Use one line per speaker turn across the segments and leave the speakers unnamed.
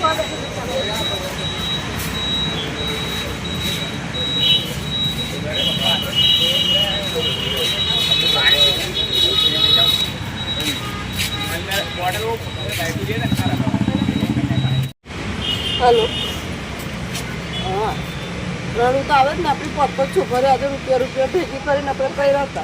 Hello हाँ रड़ू तो आवे ने अपनी पप्पा छोकरी आज रुपया भेजी कर કર્યા હતા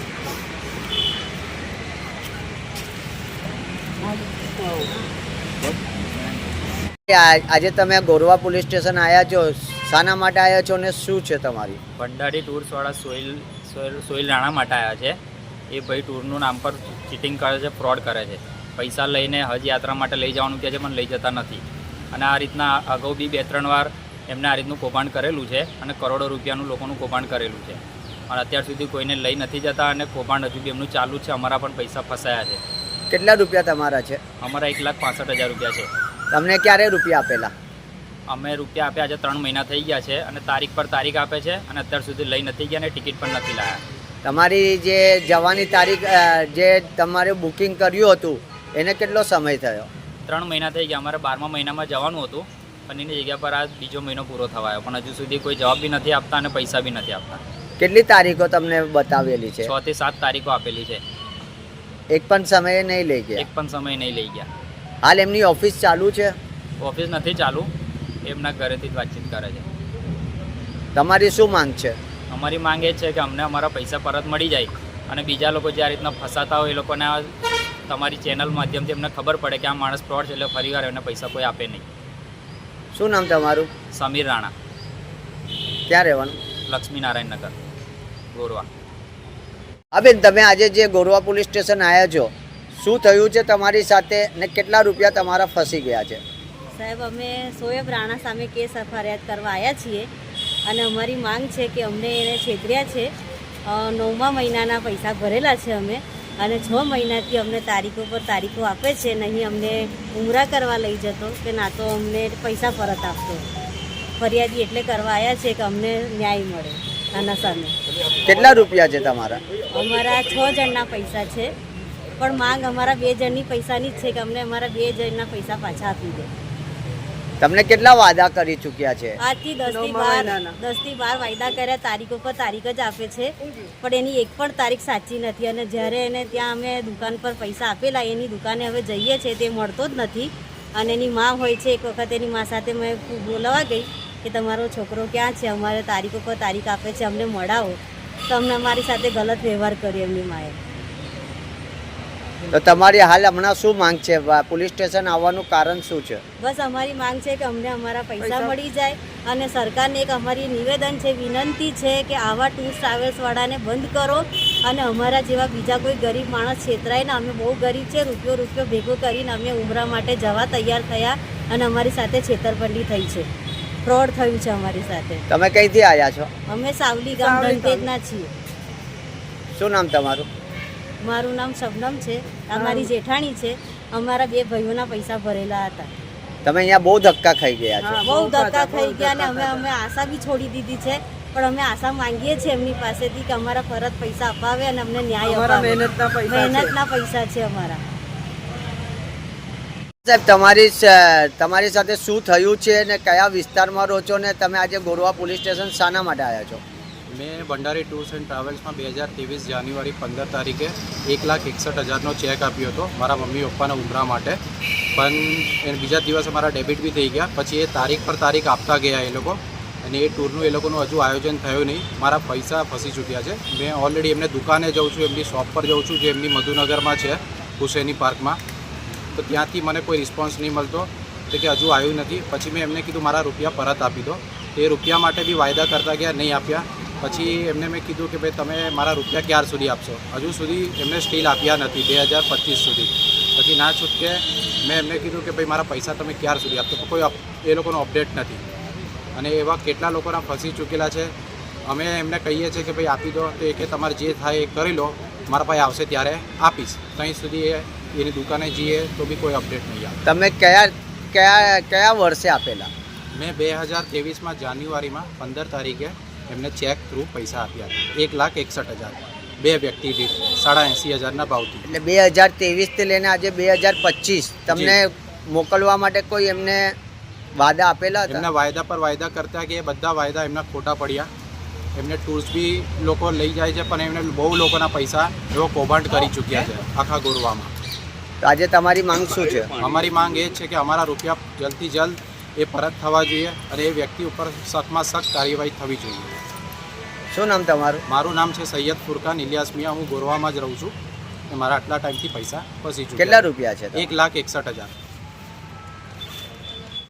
આજે તમે ગોરવા પોલીસ સ્ટેશન આવ્યા છો, શાના માટે આવ્યા છો અને શું છે તમારી?
ભંડારી ટૂર્સ વાળા સોહિલ રાણા માટે આવ્યા છે. એ ભાઈ ટૂરનું નામ પર ચીટિંગ કરે છે, ફ્રોડ કરે છે. પૈસા લઈને હજ યાત્રા માટે લઈ જવાનું કહે છે પણ લઈ જતા નથી. અને આ રીતના અગાઉ બી 2-3 વાર એમને આ રીતનું કૌભાંડ કરેલું છે અને કરોડો રૂપિયાનું લોકોનું કૌભાંડ કરેલું છે. અને અત્યાર સુધી કોઈને લઈ નથી જતા અને કૌભાંડ હજુ બી એમનું ચાલુ છે. અમારા પણ પૈસા ફસાયા છે.
કેટલા રૂપિયા તમારા છે?
અમારા 1,65,000 રૂપિયા છે.
તમને ક્યારે રૂપિયા આપેલા?
અમે રૂપિયા આપ્યા આજે 3 મહિના થઈ ગયા છે અને તારીખ પર તારીખ આપે છે અને અત્યાર સુધી લઈ નથી ગયા અને ટિકિટ પણ નથી લાવ્યા.
તમારી જે જવાની તારીખ જે તમારે બુકિંગ કર્યું હતું એને કેટલો સમય થયો?
3 મહિના થઈ ગયા. અમારે 12મા મહિનામાં જવાનું હતું પણ એની જગ્યા પર આ બીજો મહિનો પૂરો થવાયો પણ હજુ સુધી કોઈ જવાબ બી નથી આપતા અને પૈસા બી નથી આપતા.
કેટલી તારીખો તમને બતાવેલી છે?
6 થી 7 તારીખો આપેલી છે.
એક પણ સમયે નહીં લઈ ગયા?
એક પણ સમય નહીં લઈ ગયા.
હાલ એમની ઓફિસ ચાલુ છે?
ઓફિસ નથી ચાલુ, એમના ઘરેથી જ વાતચીત કરે છે.
તમારી શું માંગ છે?
અમારી માંગ એ છે કે અમને અમારા પૈસા પરત મળી જાય અને બીજા લોકો જે આ રીતના ફસાતા હોય એ લોકોને તમારી ચેનલ માધ્યમથી એમને ખબર પડે કે આ માણસ ફ્રોડ છે એટલે ફરીવાર એમને પૈસા કોઈ આપે નહીં.
શું નામ તમારું?
સમીર રાણા.
ક્યાં રહેવાનું?
લક્ષ્મીનારાયણ નગર, ગોરવા.
હા બેન, તમે આજે જે ગોરવા પોલીસ સ્ટેશન આવ્યા છો, શું થયું છે તમારી સાથે ને કેટલા રૂપિયા તમારા ફસી ગયા છે?
સાહેબ, અમે સોએબ રાણા સામે કેસ ફરિયાદ કરવા આવ્યા છીએ અને અમારી માંગ છે કે અમને એને છેતર્યા છે. 9મા મહિનાના પૈસા ભરેલા છે અમે અને 6 મહિનાથી અમને તારીખો પર તારીખો આપે છે. નહીં અમને ઉમરા કરવા લઈ જતો કે ના તો અમને પૈસા પરત આપતો. ફરિયાદી એટલે કરવા આવ્યા છે કે અમને ન્યાય મળે આના સામે.
કેટલા રૂપિયા છે તમારા?
અમારા 6 જણના પૈસા છે પણ માંગ અમારા 2 જણની પૈસાની જ છે કે અમને અમારા 2 જણના પૈસા પાછા આપી દે.
તમને કેટલા વાયદા કરી ચૂક્યા છે?
આજથી 10 થી 12 વાયદા કર્યા, તારીખો પર તારીખ જ આપે છે પણ એની એક પણ તારીખ સાચી નથી. અને જ્યારે એને ત્યાં અમે દુકાન પર પૈસા આપેલા એની દુકાને હવે જઈએ છીએ તે મળતો જ નથી. અને એની માં હોય છે, એક વખત એની માં સાથે મેં બોલાવા ગઈ કે તમારો છોકરો ક્યાં છે, અમારે તારીખો પર તારીખ આપે છે, અમને મળાવો. તો અમને અમારી સાથે ગલત વ્યવહાર કર્યો એમની માએ.
તો તમારી હાલ હમણાં શું માંગ છે? પોલીસ સ્ટેશન આવવાનું કારણ શું છે?
બસ અમારી માંગ છે કે અમને અમારા પૈસા મળી જાય અને સરકારને એક અમારી નિવેદન છે, વિનંતી છે કે આવા ટૂર ટ્રાવેલ્સવાળાને બંધ કરો અને અમારા જેવા બીજા કોઈ ગરીબ માણસ છેતરાય ને. અમે બહુ ગરીબ છે, રૂપિયો ભેગો કરીને અમે ઉમરા માટે જવા તૈયાર થયા અને અમારી સાથે છેતરપિંડી થઈ છે, ફ્રોડ થયું છે અમારી સાથે.
તમે કઈથી આવ્યા છો?
અમે સાવલી ગામ ધનતેજના છીએ.
શું નામ તમારું?
મારું નામ શબનમ છે. અમારી જેઠાણી છે. અમારા 2 ભાઈઓના પૈસા ભરેલા હતા.
તમે અહીંયા બહુ ધક્કા ખાઈ ગયા છો?
બહુ ધક્કા ખાઈ ગયા અને અમે આશા બી છોડી દીધી છે પણ અમે આશા માંગીએ છીએ એમની પાસેથી કે અમારા પરત પૈસા અપાવે અને અમને ન્યાય અપાવે. મહેનતના પૈસા છે અમારા.
સાહેબ, તમારી સાથે શું થયું છે ને કયા વિસ્તારમાં રહો છો ને તમે આજે ગોરવા પોલીસ સ્ટેશન શાના માટે આવ્યા છો?
મેં ભંડારી ટૂર્સ એન્ડ ટ્રાવેલ્સમાં 2023 જાન્યુઆરી 15 તારીખે 1,61,000નો ચેક આપ્યો હતો મારા મમ્મી પપ્પાના ઉમરા માટે. પણ બીજા દિવસે મારા ડેબિટ બી થઈ ગયા. પછી એ તારીખ પર તારીખ આપતા ગયા એ લોકો અને એ ટૂરનું એ લોકોનું હજુ આયોજન થયું નહીં. મારા પૈસા ફસી ચૂક્યા છે. મેં ઓલરેડી એમને દુકાને જાઉં છું, એમની શોપ પર જાઉં છું જે એમની મધુનગરમાં છે, હુસેની પાર્કમાં. તો ત્યાંથી મને કોઈ રિસ્પોન્સ નહીં મળતો તો કે હજુ આવ્યું નથી. પછી મેં એમને કીધું મારા રૂપિયા પરત આપી દો. એ રૂપિયા માટે બી વાયદા કરતા ગયા, નહીં આપ્યા. પછી એમને મેં કીધું કે ભાઈ તમે મારા રૂપિયા ક્યાર સુધી આપશો? હજુ સુધી એમને સ્ટીલ આપ્યા નથી, 2025 સુધી. પછી ના છૂટકે મેં એમને કીધું કે ભાઈ મારા પૈસા તમે ક્યાર સુધી આપશો? કોઈ એ લોકોનો અપડેટ નથી. અને એવા કેટલા લોકોના ફસી ચૂકેલા છે. અમે એમને કહીએ છીએ કે ભાઈ આપી દો તો એ કે તમારે જે થાય એ કરી લો, મારા પાસે આવશે ત્યારે આપીશ. ત્યાં સુધી એની દુકાને જઈએ તો બી કોઈ અપડેટ નહીં આવે.
તમે કયા વર્ષે આપેલા?
મેં 2023માં જાન્યુઆરીમાં 15 તારીખે એમને ચેક થ્રુ પૈસા આપ્યા હતા 1,61,000, 2 વ્યક્તિ દીઠ 80,000ના ભાવથી.
એટલે 2023 થી લઈને આજે 2025 તમને મોકલવા માટે કોઈ એમને વાદા આપેલા હતા?
એમના વાયદા પર વાયદા કરતા કે એ બધા વાયદા એમના ખોટા પડ્યા. એમને ટૂર્સ બી લોકો લઈ જાય છે, પણ એમને બહુ લોકોના પૈસા એવો કૌભાંડ કરી ચૂક્યા છે આખા ગોરવામાં.
તો આજે તમારી માંગ શું છે?
અમારી માંગ એ છે કે અમારા રૂપિયા જલ્દથી જલ્દ એ પરત થવા જોઈએ અને એ વ્યક્તિ ઉપર સખતમાં સખત કાર્યવાહી થવી જોઈએ.
શું નામ તમારું?
મારું નામ છે સૈયદ ફુરકાન ઇલિયાસ મિયા. હું ગોરવામાં જ રહું છું. મારા આટલા ટાઈમથી પૈસા ફસી ચૂક્યા.
કેટલા રૂપિયા છે?
1,61,000.